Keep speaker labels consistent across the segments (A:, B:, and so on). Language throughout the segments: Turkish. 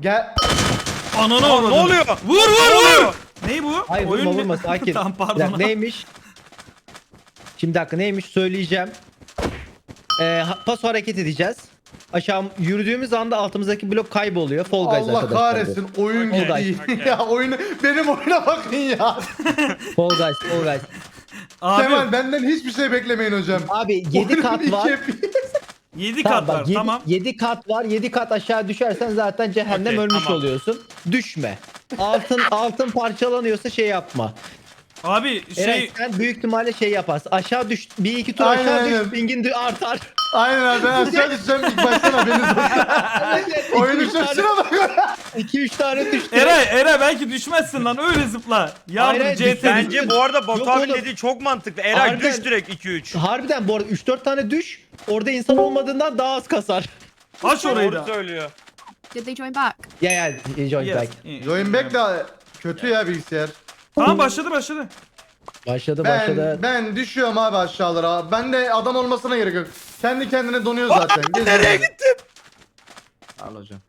A: Gel.
B: Ananı
C: Ne
B: avradını.
C: oluyor?
B: Vur. Ney bu?
D: Hayır
B: Oyun
D: vurma
B: ne?
D: vurma sakin.
B: Tamam
D: Bir
B: pardon.
D: dakika, neymiş? Şimdi bir dakika neymiş söyleyeceğim. Paso hareket edeceğiz. Aşağı yürüdüğümüz anda altımızdaki blok kayboluyor. Fall Guys
A: Allah
D: arkadaşlar.
A: kahretsin oyun
D: Fall
A: gitti.
C: Guys.
A: Ya oyunu benim oyuna bakın ya.
D: Fall Guys, Fall Guys.
B: Abi
A: Kemal benden hiçbir şey beklemeyin hocam.
D: Abi 7 kat
A: Oyunun
D: var.
A: iki-
B: 7
D: Tamam,
B: kat var.
D: bak, 7,
B: Tamam.
D: 7 kat var. 7 kat aşağı düşersen zaten cehennem
C: Okey,
D: ölmüş
C: tamam.
D: oluyorsun. Düşme. Altın parçalanıyorsa şey yapma.
B: Abi
D: Eray sen büyük ihtimalle şey yaparsın. Aşağı düş. Bir iki tur
A: Aynen,
D: aşağı
A: aynen.
D: düş. Pingin artar.
A: Aynen abi ben aşağı düşeceğim ilk baştan haberiniz olsun. Oyunu şaşına bak.
D: 2-3 tane düştü.
B: Eray belki düşmezsin lan öyle zıpla. Yardım
D: Hayır,
B: CT.
C: Bence bu arada Batu
D: Yok
C: abi
D: oğlum.
C: dediği çok mantıklı. Eray
D: Harbiden.
C: düş direkt 2-3.
D: Harbiden bu arada 3-4 tane düş. Orada insan olmadığından daha az kasar.
B: Aç orayı
C: Doğru
B: da.
C: söylüyor.
E: Did they join back?
D: Ya join
B: Yes.
D: back.
A: Join back de kötü ya bilgisayar.
B: Tamam başladı.
D: Başladı.
A: Ben düşüyorum abi aşağılara. Ben de adam olmasına gerek yok. Kendi kendine donuyor zaten.
C: Nereye gittim?
A: Al hocam.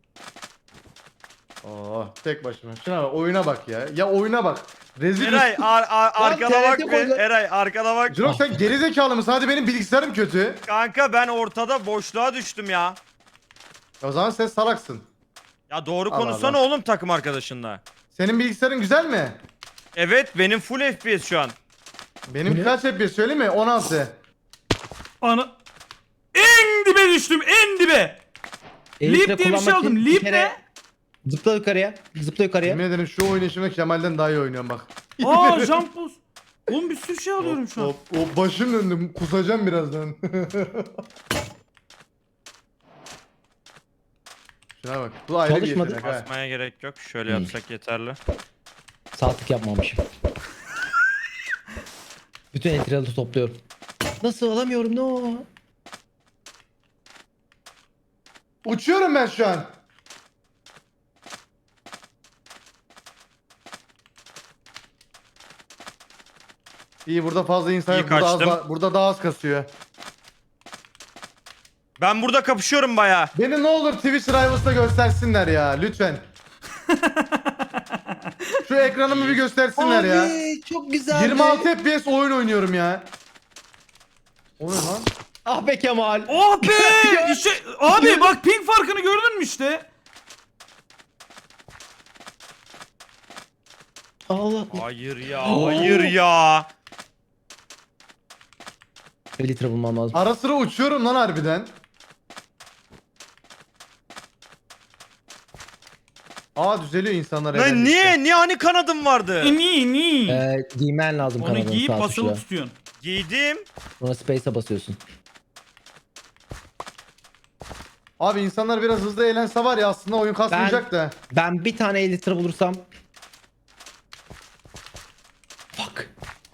A: Oo tek başıma. Şuna bak oyuna bak ya. Ya oyuna bak. Rezil.
C: Eray arkana bak
D: TRT
C: be.
D: koydu.
C: Eray arkana bak.
A: Jirok sen geri zekalı mısın? Hadi benim bilgisayarım kötü.
C: Kanka ben ortada boşluğa düştüm ya.
A: O zaman sen salaksın.
C: Ya doğru
A: Allah
C: konuşsana
A: Allah.
C: oğlum takım arkadaşınla.
A: Senin bilgisayarın güzel mi?
C: Evet benim full FPS şu an.
A: Benim kaç FPS söyleyeyim mi? 16.
B: Ana. En dibe düştüm en dibe. Leap diye bir şey aldım. Leap ne?
D: Zıpla yukarıya. Zıpla yukarıya.
A: Yemin ederim şu oyunu şimdi Kemal'den daha iyi oynuyorum bak.
B: Aa jump boost. Oğlum bir sürü şey alıyorum şu an.
A: O başım döndü. Kusacağım birazdan. Şuna bak. Bu ayrı
D: Çalışmadı.
A: bir yetenek ha.
C: Basmaya gerek yok. Şöyle yapsak yeterli.
D: Saatlik yapmamışım. Bütün entriyalı topluyorum. Nasıl alamıyorum no?
A: Uçuyorum ben şu an. İyi burada fazla insan
C: İyi
A: yok. Burada,
C: kaçtım.
A: burada daha az kasıyor.
C: Ben burada kapışıyorum baya.
A: Beni ne olur Twitch Rivals'ta göstersinler ya lütfen. Şu ekranımı bir göstersinler ya.
D: Abi çok güzel.
A: 26 FPS oyun oynuyorum ya. O ne lan?
D: Ah be Kemal.
B: Oh be! İşte, abi bak ping farkını gördün mü işte?
D: Allah.
C: Hayır ya, hayır ya.
D: Litre bulmam lazım.
A: Ara sıra uçuyorum lan harbiden. Aa düzeliyor insanlar
C: Lan
A: eğlendikçe.
C: niye hani kanadım vardı?
B: Ni.
D: Giymen lazım
B: Onu
D: kanalını
B: giyip
D: sağ
B: basılı
D: tuşla.
B: tutuyorsun.
C: Giydim.
D: Sonra space'e basıyorsun.
A: Abi insanlar biraz hızlı eğlense var ya aslında oyun kasmayacak da.
D: Ben bir tane litre bulursam. Fuck.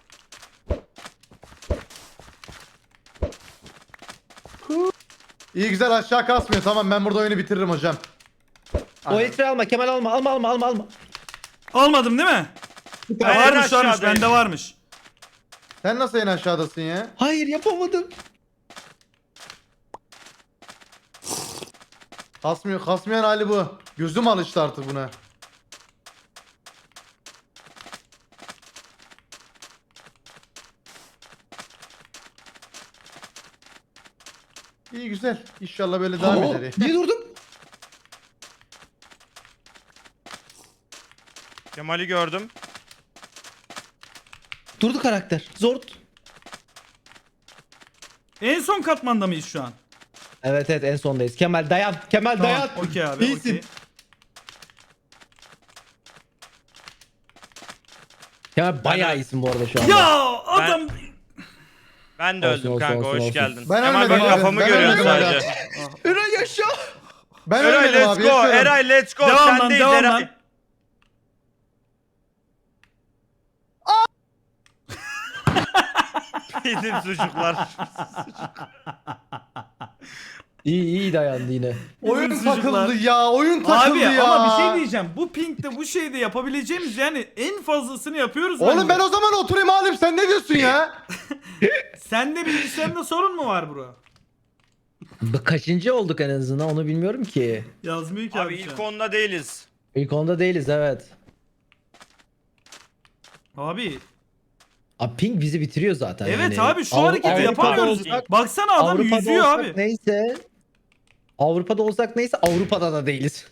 A: İyi güzel aşağı kasmıyor. Tamam ben burada oyunu bitiririm hocam.
D: O litre alma Kemal alma.
B: Almadım değil mi?
C: Ben en
B: Varmış
C: aşağıdayım.
B: bende varmış.
A: Sen nasıl en aşağıdasın ya?
D: Hayır yapamadım.
A: Kasmayan hali bu. Gözüm alıştı artık buna. İyi güzel. İnşallah böyle devam
D: Aa,
A: eder.
D: niye durdum?
C: Kemal'i gördüm.
D: Durdu karakter. Zor.
B: En son katmanda mıyız şu an?
D: Evet en sondayız. Kemal dayan. Kemal
B: Tamam.
D: dayan.
B: Okey abi.
D: İyisin.
B: Okey.
D: Kemal bayağı iyisin bu arada şu anda.
B: Ya adam.
C: Ben de
D: Olsun,
C: öldüm
D: olsun,
C: kanka
D: olsun,
C: hoş
D: olsun.
C: geldin.
A: Ben
C: Kemal
A: ölmedim
C: bak
A: abi,
C: kafamı
A: ben
C: görüyorsun
A: ölmedim
C: sadece.
D: Eray yaşa.
A: Ben
C: Eray
A: ölmedim
C: let's
A: abi.
C: go.
A: yaşıyorum.
C: Eray let's go.
B: Devam lan
C: Sendeyiz
B: devam
C: Eray.
B: lan.
C: Yedim sucuklar.
D: İyi dayandı yine.
A: Oyun
B: Bizim çocuklar.
A: takıldı ya. Oyun takıldı
B: Abi
A: ya.
B: ama bir şey diyeceğim. Bu pingde bu şeyde yapabileceğimiz yani en fazlasını yapıyoruz
A: Oğlum
B: bence.
A: ben o zaman oturayım halim. Sen ne diyorsun ya?
B: Sende bilgisayarında sorun mu var bro?
D: Kaçıncı olduk en azından onu bilmiyorum ki.
B: Yazmıyor ki
C: Abi
B: abi.
C: ilk
B: şu an.
C: onda değiliz.
D: İlk onda değiliz evet.
B: Abi
D: Abi ping bizi bitiriyor zaten
B: evet
D: yani.
B: abi şu hareketi
D: Avrupa'da
B: yapamıyoruz.
D: olsak-
B: Baksana adam
D: Avrupa'da
B: yüzüyor
D: olsak
B: abi.
D: neyse. Avrupa'da olsak neyse Avrupa'da da değiliz.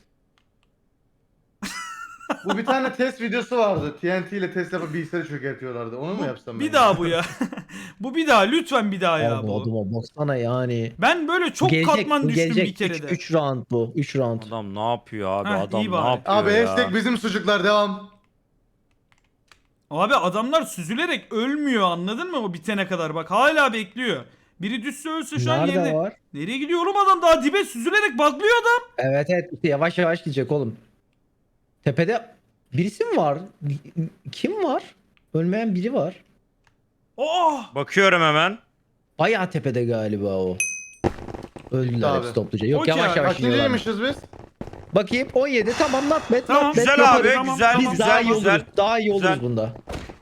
A: Bu bir tane test videosu vardı. TNT ile test yapıp bilgisayarı çökertiyorlardı. Onu mu yapsam ben?
B: Bir daha bu ya. Bu bir daha lütfen bir daha ya
D: Abi
B: bu.
D: adama baksana yani.
B: Ben böyle çok
D: Gelecek,
B: katman
D: bu
B: düştüm
D: gelecek.
B: bir kere de.
D: 3 round bu. 3 round.
C: Adam ne yapıyor abi?
B: Heh,
C: Adam
B: iyi
C: ne
B: bari.
C: yapıyor
A: Abi
C: ya?
A: hashtag bizim sucuklar devam.
B: Abi adamlar süzülerek ölmüyor anladın mı o bitene kadar bak hala bekliyor. Biri düşse ölse şu an
D: Nerede
B: yerine.
D: var?
B: Nereye gidiyor oğlum adam daha dibe süzülerek baklıyor adam.
D: Evet evet işte yavaş yavaş gidecek oğlum. Tepede birisi mi var? Kim var? Ölmeyen biri var.
B: Oh!
C: Bakıyorum hemen.
D: Bayağı tepede galiba o. Öldüler
A: Abi.
D: hepsi topluca. Yok
B: Okey
D: yavaş
B: abi,
D: yavaş iniyorlar.
A: Kaçıncıymışız biz?
D: Bakayım 17 tamam not bad
B: Tamam.
D: not bad.
C: Güzel abi,
D: yaparız.
C: güzel,
B: tamam.
D: Biz
C: güzel,
D: daha iyi
C: güzel.
D: oluruz. Daha iyi oluruz
C: Güzel.
D: bunda.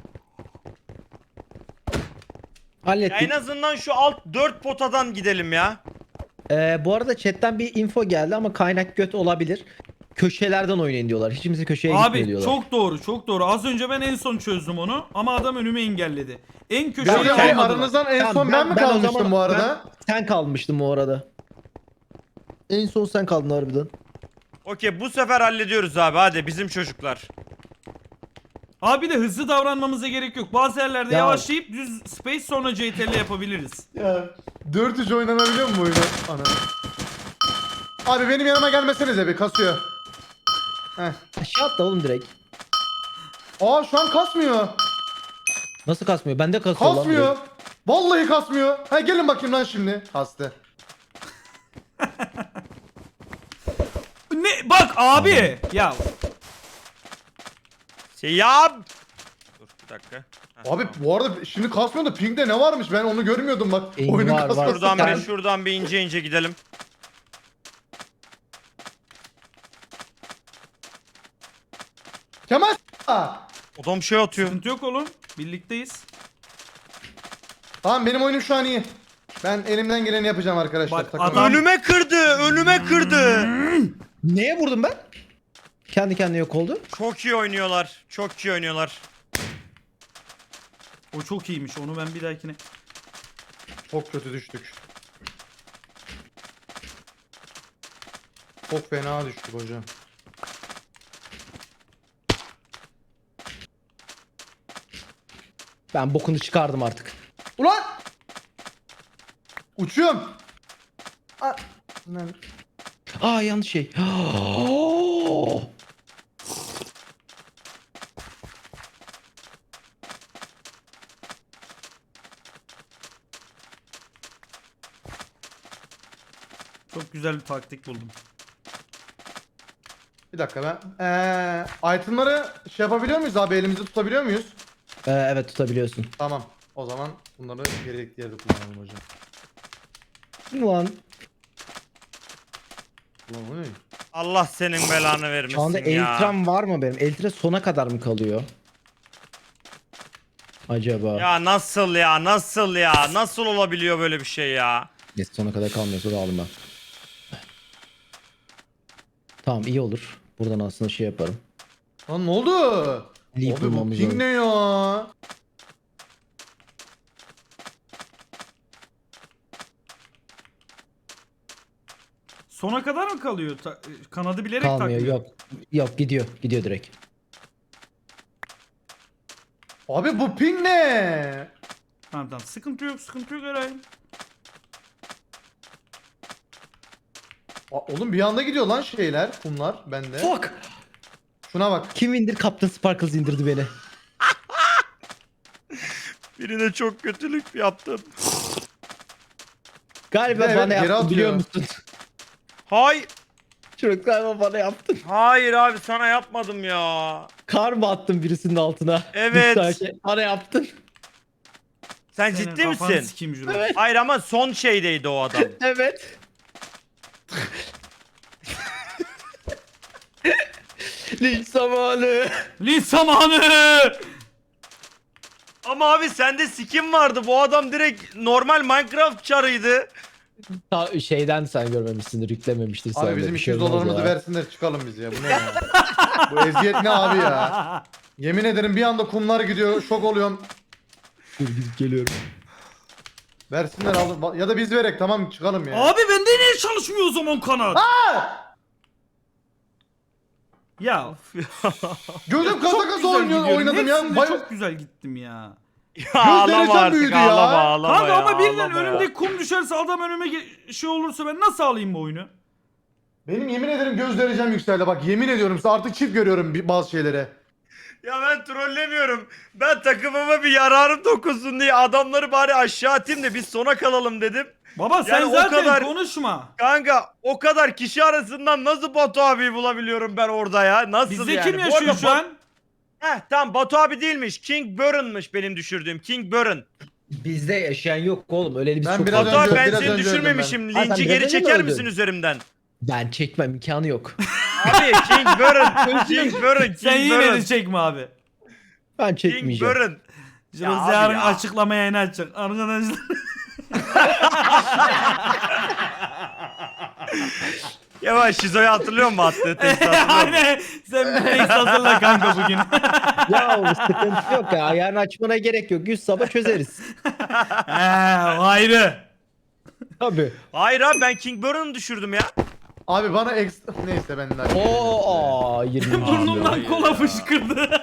C: Ya
D: Hallettik.
C: en azından şu alt 4 potadan gidelim ya.
D: Bu arada chatten bir info geldi ama kaynak göt olabilir. Köşelerden oynayın diyorlar. Hiç kimse köşeye gitmiyor
B: Abi
D: diyorlar.
B: çok doğru çok doğru. Az önce ben en son çözdüm onu ama adam önümü engelledi. En köşeye
A: Hocam
C: Okey.
B: almadılar.
A: aranızdan en
D: Tamam,
A: son ben mi
D: ben o
A: kalmıştım
D: zaman-
A: bu arada?
D: Sen kalmıştın bu arada. En son sen kaldın harbiden.
C: Okey bu sefer hallediyoruz abi hadi bizim çocuklar.
B: Abi de hızlı davranmamıza gerek yok. Bazı yerlerde
D: Ya-
B: yavaşlayıp düz space sonra CTRL yapabiliriz.
A: Ya 4-3 oynanabiliyor mu bu oyunu? Ana. Abi benim yanıma gelmesenize bir kasıyor. Heh.
D: Aşağı atla oğlum direkt.
A: Aa şu an kasmıyor.
D: Nasıl kasmıyor? Bende kasıyor lan
A: Kasmıyor.
D: direkt.
A: Vallahi kasmıyor. Ha gelin bakayım lan şimdi. Kastı.
B: Ne bak abi ya
C: Ya. Dur bir dakika. Heh,
A: Abi
C: tamam.
A: bu arada şimdi kasmıyor da pingde ne varmış ben onu görmüyordum bak.
D: Ping
A: Oyunun
D: var, var.
A: kasması.
C: Şuradan
D: Sen-
C: bir şuradan bir ince ince gidelim.
A: Kemal Aa!
C: Adam şey atıyor.
B: sıkıntı yok oğlum. Birlikteyiz.
A: Tamam benim oyunum şu an iyi. Ben elimden geleni yapacağım arkadaşlar.
B: Bak,
A: takılmayın.
B: adam-
C: Önüme kırdı, önüme kırdı.
D: Neye vurdum ben? Kendi kendine yok oldu.
C: Çok iyi oynuyorlar. Çok iyi oynuyorlar.
B: O çok iyiymiş. Onu ben bir dahakine.
A: Çok kötü düştük. Çok fena düştük hocam.
D: Ben bokunu çıkardım artık.
A: Ulan! Uçuyorum. Aa, lan.
D: Aa yanlış şey.
B: Çok güzel bir taktik buldum.
A: Bir dakika ben. Itemları şey yapabiliyor muyuz abi elimizde tutabiliyor muyuz?
D: Evet tutabiliyorsun.
A: Tamam. O zaman bunları gerekli yerde kullanalım hocam.
D: Ulan
A: Ulan o ne?
C: Allah senin belanı
D: şu
C: vermesin
D: anda
C: ya.
D: elitram var mı benim? Elitre sona kadar mı kalıyor? Acaba?
C: Ya nasıl ya? Nasıl ya? Nasıl olabiliyor böyle bir şey ya?
D: Neyse sona kadar kalmıyorsa da aldım ben. Tamam iyi olur. Buradan aslında şey yaparım.
A: Lan ne oldu?
D: Leap
A: Abi bu
D: bulmamız
A: ping
D: lazım.
A: ne ya?
B: Sona kadar mı kalıyor? Kanadı bilerek
D: Kalmıyor
B: takmıyor.
D: yok. Yok gidiyor. Gidiyor direkt.
A: Abi bu ping ne?
B: Tamam tamam. Sıkıntı yok sıkıntı yok herhalde.
A: Oğlum bir anda gidiyor lan şeyler, kumlar bende.
D: Fuck!
A: Şuna bak.
D: Kim indir? Captain Sparkles indirdi beni.
C: Birine çok kötülük yaptım.
D: Galiba
A: Evet,
D: bana
A: geri
D: yaptın biliyor
A: atıyor.
D: musun?
C: Hay.
D: Çocuk galiba bana yaptın.
C: Hayır abi sana yapmadım ya.
D: Kar mı attın birisinin altına?
C: Evet.
D: Bir saniye. Bana yaptın.
C: Sen
B: Senin
C: ciddi
B: kafanı
C: misin?
B: sikeyim Juro.
D: Evet.
C: Hayır ama son şeydeydi o adam.
D: Evet. Linç zamanı.
B: Linç zamanı.
C: Ama abi sende skin vardı. Bu adam direkt normal Minecraft çarıydı.
D: Şeyden sen görmemişsindir, yüklememiştir. sana
A: Abi
D: da
A: bizim
D: bir şey
A: 200
D: olmaz
A: dolarımızı
D: ya.
A: versinler çıkalım biz ya. Bu ne ya? Bu eziyet ne abi ya? Yemin ederim bir anda kumlar gidiyor. Şok oluyorum.
D: Dur gidip geliyorum.
A: Versinler alın. Ya da biz verek tamam çıkalım ya.
B: Abi bende niye çalışmıyor o zaman kanat? Ya
A: Gözüm kasa
B: çok
A: kasa
B: güzel
A: oynuyor,
B: gidiyorum.
A: oynadım ya.
B: Hepsinde çok güzel gittim ya.
C: Ya ağlama
A: derecem
C: artık
A: büyüdü ya.
C: ağlama ağlama
B: Kanka
C: ya,
B: ama birden
C: ağlama ya.
B: önümde kum düşerse adam önüme şey olursa ben nasıl alayım bu oyunu?
A: Benim yemin ederim göz derecem yükseldi. Bak yemin ediyorum size artık çift görüyorum bazı şeyleri.
C: Ya ben trollemiyorum. Ben takımıma bir yararım dokunsun diye adamları bari aşağı atayım da biz sona kalalım dedim.
B: Baba sen
C: Yani o
B: zaten
C: kadar-
B: konuşma.
C: Kanka o kadar kişi arasından nasıl Batu abiyi bulabiliyorum ben orada ya? Nasıl
B: Bizde
C: yani?
B: kim
C: Bu
B: yaşıyor
C: arada
B: şu an?
C: Tamam Batu abi değilmiş. King Burren'mış benim düşürdüğüm. King Burren.
D: Bizde yaşayan yok oğlum. Öyle biz
A: Ben
D: çok
A: biraz
C: Batu abi
A: önce-
C: ben
A: biraz
C: seni
A: önce öldüm
C: düşürmemişim.
D: Ha, sen
C: Linci
D: biraz
C: geri
D: önce mi
C: çeker
D: öldün?
C: misin üzerimden?
D: Ben çekmem, imkanı yok.
C: Abi King Burren. King Burren.
B: Sen
C: King
B: yine de
C: Burren.
B: çekme abi.
D: Ben
C: King
D: çekmeyeceğim.
C: Burren. Ya
B: Şurası
C: abi
B: yarın
C: ya.
B: açıklama yayını açacak. Arkadaşlar.
C: Yavaş Şizo'yu hatırlıyor musun attığı testi hatırlıyor musun?
B: Aynen. Sen bir tek hazırla kanka bugün.
D: Ya o sıkıntı yok ya. Ayağını açmana gerek yok. 100 sabah çözeriz.
B: He, ayrı.
D: Tabii.
C: Hayır abi ben King Burren'ı düşürdüm ya.
A: Abi bana ekstra... Neyse ben daha...
D: Oo 20.
B: Burnumdan kola fışkırdı.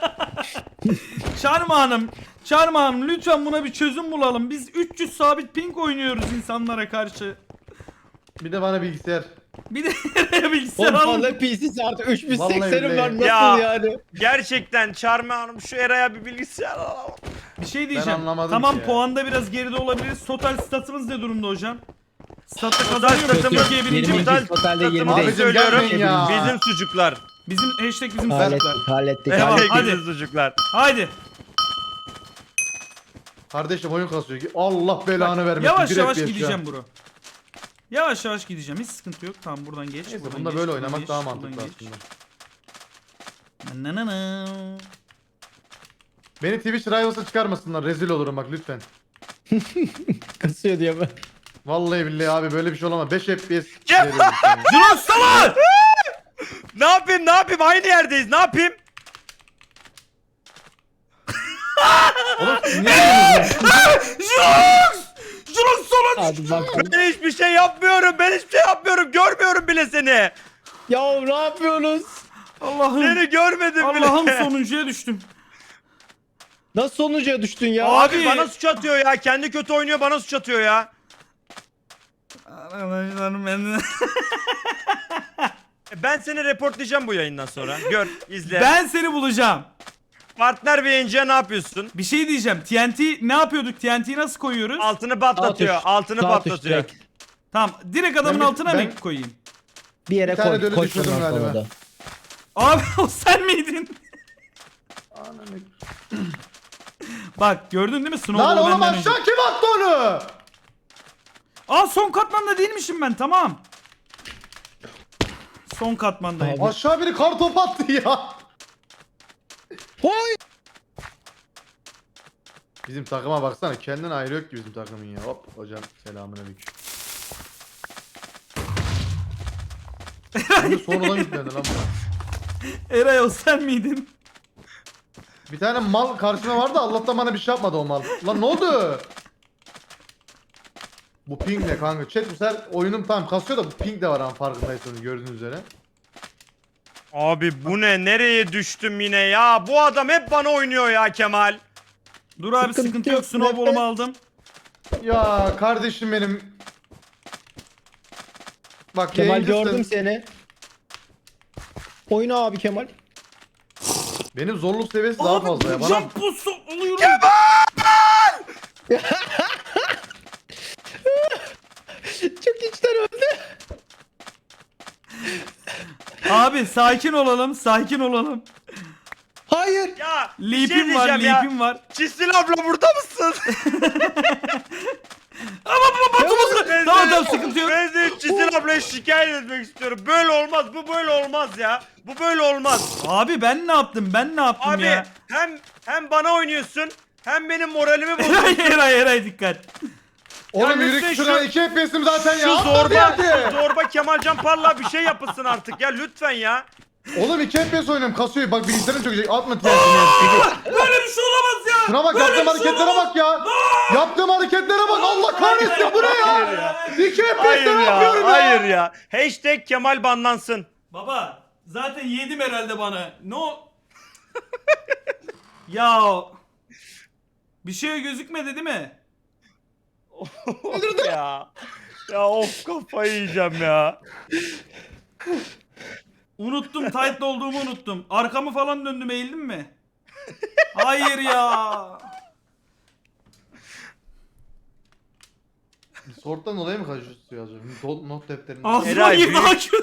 B: Çarmıha Hanım lütfen buna bir çözüm bulalım. Biz 300 sabit ping oynuyoruz insanlara karşı.
A: Bir de bana bilgisayar.
B: Bir de bilgisayar
D: Oğlum
B: alın.
D: fazla PC'si artık
A: Vallahi
D: 3080'im var.
A: billahi.
D: Nasıl
C: Ya.
D: yani?
C: Gerçekten Charme Hanım şu Eray'a bir bilgisayar alalım.
B: Bir şey diyeceğim.
A: anlamadım
B: Tamam
A: ki ya.
B: puanda biraz geride olabiliriz. Total statımız ne durumda hocam? Statta
C: Total
B: kazanıyor muyuz?
C: statımız-
B: Türkiye birinci mi?
D: 22,
C: Total
D: totalde
C: statımı
D: 20'deyiz.
A: Abicim
C: söylüyorum.
A: gelmeyin ya.
C: Bizim sucuklar.
B: Bizim hashtag bizim
D: Hallettik,
B: çocuklar.
D: hallettik.
B: Eyvallah.
D: hallettik.
B: hadi.
C: Bizim sucuklar.
B: Haydi.
A: Kardeşim oyun kasıyor. Allah belanı vermesin.
B: Yavaş
A: Bir
B: yavaş
A: FPS ya.
B: gideceğim bro. Yavaş yavaş gideceğim. Hiç sıkıntı yok. Tamam buradan geç.
A: Neyse
B: buradan
A: bunda
B: geç,
A: böyle
B: buradan
A: oynamak
B: geç,
A: daha
B: buradan
A: mantıklı
B: geç.
A: aslında.
B: Na na na.
A: Beni Twitch Rivals'a çıkarmasınlar. Rezil olurum bak lütfen.
D: Kasıyor diye ben.
A: Vallahi billahi abi böyle bir şey olamaz. 5 FPS
C: Cem!
A: veriyorum sana.
B: Jirox salak!
C: Ne yapayım ne yapayım aynı yerdeyiz ne yapayım?
A: Oğlum siz niye yapıyorsunuz?
B: Jirox! Jirox salak!
D: Hadi bakalım.
C: Ben hiçbir şey yapmıyorum ben hiçbir şey yapmıyorum görmüyorum bile seni.
D: Ya ne yapıyorsunuz?
B: Allah'ım.
C: Seni görmedim bile.
B: Allah'ım sonuncuya düştüm.
D: Nasıl sonuca düştün ya?
C: Abi bana suç atıyor ya kendi kötü oynuyor bana suç atıyor ya.
B: Arkadaşlar ben...
C: Ben seni reportlayacağım bu yayından sonra. Gör, izle.
B: Ben seni bulacağım.
C: Partner bir yayıncıya ne yapıyorsun?
B: Bir şey diyeceğim. TNT ne yapıyorduk? TNT'yi nasıl koyuyoruz?
C: Altını patlatıyor.
D: Sağ tuş,
C: Altını
D: sağ tuş
C: patlatıyor.
D: direkt.
B: Tamam. Direkt adamın
A: Ben-
B: altına
A: ben-
B: mı koyayım?
D: Bir yere
A: Bir tane de
D: koy.
A: öyle
D: Koy
A: düşürdüm
D: sonra
A: galiba.
D: da.
B: Abi o sen miydin? Bak gördün değil mi?
A: Lan
B: Snowball'u
A: oğlum
B: benden önce.
A: aşağı kim attı onu?
B: Aa son katmanda değilmişim ben tamam. Son katmandayım.
D: Abi.
A: Aşağı biri kar topu attı ya.
D: Hoy!
A: Bizim takıma baksana kendin ayrı yok ki bizim takımın ya. Hop hocam selamünaleyküm. Şimdi sonradan yüklendi lan bu.
B: Eray o sen miydin?
A: Bir tane mal karşıma vardı Allah'tan bana bir şey yapmadı o mal. Lan ne oldu? Bu ping ne kanka? Chat bu sefer oyunum tam kasıyor da bu ping de var ama farkındaysanız gördüğünüz üzere.
C: Abi bu ne? Nereye düştüm yine ya? Bu adam hep bana oynuyor ya Kemal.
B: Dur abi
D: Sıkıntı
B: sıkıntı yok.
D: yok,
B: Snowball'umu
D: nefes.
B: aldım.
A: Ya kardeşim benim. Bak
D: Kemal
A: yayıncısın.
D: gördüm seni. Oyna abi Kemal.
A: Benim zorluk seviyesi daha
B: Abi
A: fazla ya. Bana
B: jump boost alıyorum.
D: Çok içten öldü.
B: Abi sakin olalım. Sakin olalım.
D: Hayır.
C: Ya bir şey
B: Leap'im var.
C: diyeceğim ya.
B: Leap'im var.
C: Çisil abla burada mısın?
B: Tamam tamam sıkıntı yok.
C: Ben de Çisil ablaya şikayet etmek istiyorum. Böyle olmaz. Bu böyle olmaz ya. Bu böyle olmaz.
B: Abi ben ne yaptım? Ben ne yaptım
C: Abi
B: ya?
C: hem bana oynuyorsun hem benim moralimi
B: Eray
C: bozuyorsun.
B: Eray Eray dikkat.
A: Oğlum
C: lütfen
A: yürü şuna 2 FPS'im zaten
C: Şu
A: ya.
C: zorba Kemalcan Parlak bir şey yapılsın artık ya lütfen ya.
A: Oğlum 2 FPS oynuyorum kasıyor. Bak bilgisayarım çökecek. Atma TNT'ni.
B: Böyle bir şey olamaz ya.
A: Şuna bak
B: Böyle
A: yaptığım
B: bir şey
A: hareketlere
B: olamaz.
A: bak ya. Yaptığım hareketlere bak. Allah kahretsin bu ne ya? 2 FPS'te
C: Hayır
A: ne
C: ya,
A: yapıyorum ya?
C: hayır ya. Hashtag Kemal banlansın.
B: Baba zaten yedim herhalde bana. No. Ya. Bir şey gözükmedi değil mi?
C: Of ya. Ya of kafayı yiyeceğim ya.
B: Unuttum, tight'lı olduğumu unuttum. Arkamı falan döndüm, eğildim mi? Hayır ya.
A: Sorttan dolayı mı kaçıyorsun acaba? Not defterinde.
B: Ağzıma
C: Eray,
B: girdi
C: büyük-
B: hakim.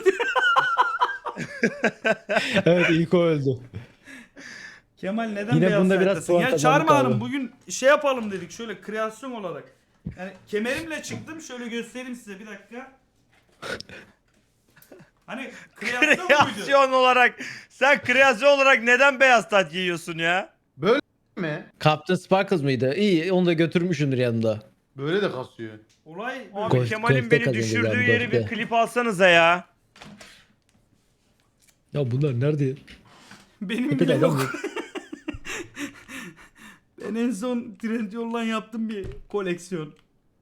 D: Evet ilk o öldü.
B: Kemal neden
D: Yine
B: beyaz
D: bunda biraz
B: sayfasın?
D: puan
B: Ya
D: kazandık
B: Çağırma Hanım
D: abi.
B: bugün şey yapalım dedik şöyle kreasyon olarak. Yani kemerimle çıktım şöyle göstereyim size bir dakika. Hani kreasyon muydu?
C: Kreasyon olarak sen kreasyon olarak neden beyaz tat giyiyorsun ya?
A: mi?
D: Captain Sparkles mıydı? İyi onu da götürmüşsündür yanında.
A: Böyle de kasıyor.
B: Olay
C: Abi
D: Golf-
C: Kemal'in
D: golfte
C: beni
D: kazandı
C: düşürdüğü
D: galiba,
C: yeri bir
D: golfte.
C: klip alsanıza ya.
D: Ya bunlar nerede ya?
B: benim bile yok. Ben en son Trendyol'dan yaptım bir koleksiyon.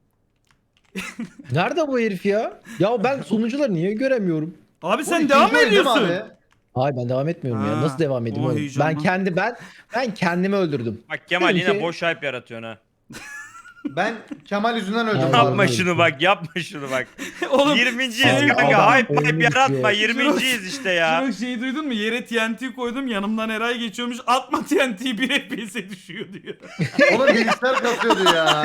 D: Nerede bu herif ya? Ya ben sonucuları niye göremiyorum?
B: Abi
A: Bu
B: sen
A: ikinci
B: devam mı
A: oyun değil mi
B: ediyorsun?
A: abi?
D: Hayır ben devam etmiyorum ya.
B: Ha,
D: Nasıl devam edeyim
B: o
D: oğlum?
B: heyecanlı.
D: Ben kendimi öldürdüm.
C: Bak Kemal
D: Benim
C: yine
D: şey-
C: boş hype yaratıyorsun ha.
A: Ben Kemal yüzünden öldüm.
D: Abi,
C: Yapma
D: abi.
C: şunu bak yapma şunu bak.
B: Oğlum
C: 20.yiz
D: Abi,
C: kanka
D: adam
C: hype
D: oyunu
C: yaratma
D: bitiyor.
C: 20.yiz işte ya.
B: Şurada şeyi duydun mu? Yere TNT koydum yanımdan Eray geçiyormuş. Atma TNT'yi bir FPS'e düşüyor diyor.
A: Oğlum bilgisayar kasıyordu ya.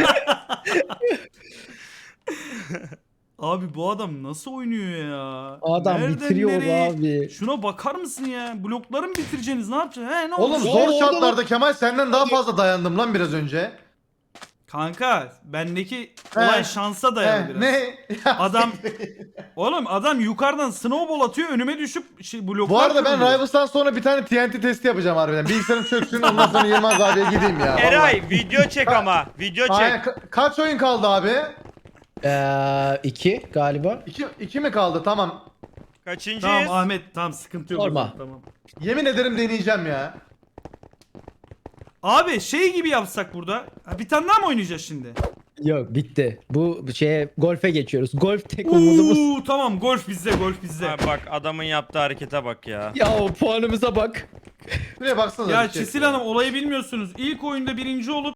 B: Abi bu adam nasıl oynuyor ya?
D: Adam
B: Nereden
D: bitiriyor
B: nereye?
D: abi.
B: Şuna bakar mısın ya? Blokları mı bitireceksiniz? Ne yapacaksınız? He ne
A: Oğlum
B: oldu?
A: zor
D: orada
A: şartlarda Kemal senden daha fazla dayandım lan biraz önce.
B: Kanka bendeki olay
A: He.
B: şansa dayalı
A: He,
B: biraz.
A: ne?
B: Adam oğlum adam yukarıdan snowball atıyor önüme düşüp bloklar
A: Bu arada ben
B: kırılıyor.
A: Rivals'tan sonra bir tane TNT testi yapacağım harbiden. Bilgisayarım çöksün ondan sonra Yılmaz abiye gideyim ya.
C: Eray video çek ama video çek.
A: Aynen, kaç oyun kaldı abi?
D: 2 galiba.
A: 2 mi kaldı? Tamam.
C: Kaçıncıyız?
B: Tamam Ahmet tamam sıkıntı yok.
D: Sorma.
B: o zaman, Tamam.
A: Yemin ederim deneyeceğim ya.
B: Abi şey gibi yapsak burada. Ha, bir tane daha mı oynayacağız şimdi?
D: Yok bitti. Bu şeye golfe geçiyoruz. Golf tek umudumuz.
B: Tamam golf bizde golf bizde.
C: Ha, bak adamın yaptığı harekete bak ya.
D: Ya o puanımıza bak.
A: Şuraya baksana.
B: Ya Çisil Hanım olayı bilmiyorsunuz. İlk oyunda birinci olup